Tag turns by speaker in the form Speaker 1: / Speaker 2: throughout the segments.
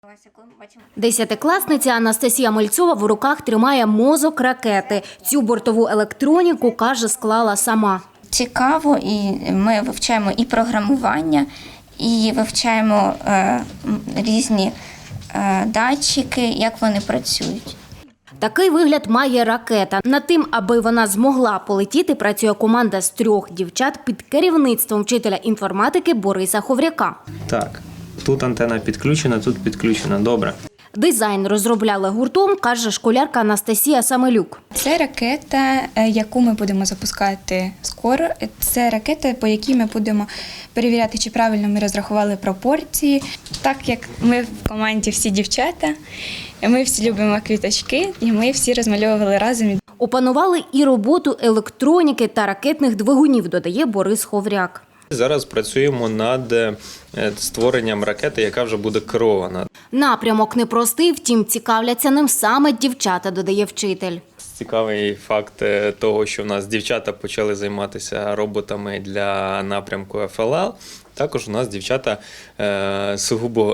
Speaker 1: Десятикласниця Анастасія Мальцова в руках тримає мозок ракети. Цю бортову електроніку, каже, склала сама.
Speaker 2: Цікаво, і ми вивчаємо і програмування, і вивчаємо різні датчики, як вони працюють.
Speaker 1: Такий вигляд має ракета. Над тим, аби вона змогла полетіти, працює команда з 3 дівчат під керівництвом вчителя інформатики Бориса Ховряка.
Speaker 3: Так, тут антена підключена, тут підключена. Добре.
Speaker 1: Дизайн розробляли гуртом, каже школярка Анастасія Самелюк.
Speaker 4: Це ракета, яку ми будемо запускати скоро. Це ракета, по якій ми будемо перевіряти, чи правильно ми розрахували пропорції. Так як ми в команді всі дівчата, ми всі любимо квіточки, і ми всі розмальовували разом.
Speaker 1: Опанували і роботу електроніки та ракетних двигунів, додає Борис Ховряк.
Speaker 3: Зараз працюємо над створенням ракети, яка вже буде керована.
Speaker 1: Напрямок непростий, втім цікавляться ним саме дівчата, додає вчитель.
Speaker 3: Цікавий факт того, що в нас дівчата почали займатися роботами для напрямку ФЛЛ. Також у нас дівчата сугубо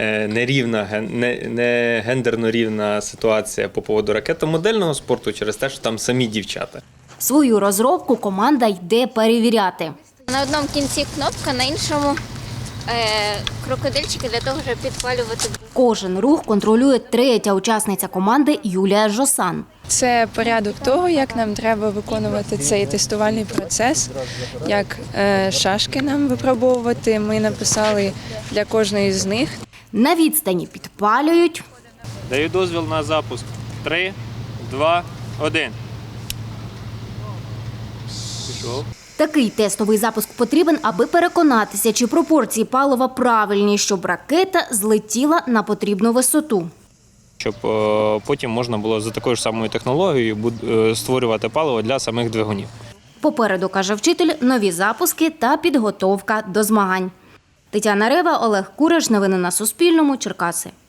Speaker 3: не гендерно рівна ситуація по поводу ракетомодельного спорту через те, що там самі дівчата.
Speaker 1: Свою розробку команда йде перевіряти.
Speaker 5: На одному кінці кнопка, на іншому крокодильчики для того, щоб підпалювати.
Speaker 1: Кожен рух контролює 3-я учасниця команди Юлія Жосан.
Speaker 6: Це порядок того, як нам треба виконувати цей тестувальний процес, як шашки нам випробовувати. Ми написали для кожної з них.
Speaker 1: На відстані підпалюють.
Speaker 3: Даю дозвіл на запуск. 3, 2, 1. Пішов.
Speaker 1: Такий тестовий запуск потрібен, аби переконатися, чи пропорції палива правильні, щоб ракета злетіла на потрібну висоту.
Speaker 3: Щоб потім можна було за такою ж самою технологією створювати паливо для самих двигунів.
Speaker 1: Попереду, каже вчитель, нові запуски та підготовка до змагань. Тетяна Рева, Олег Кураш. Новини на Суспільному. Черкаси.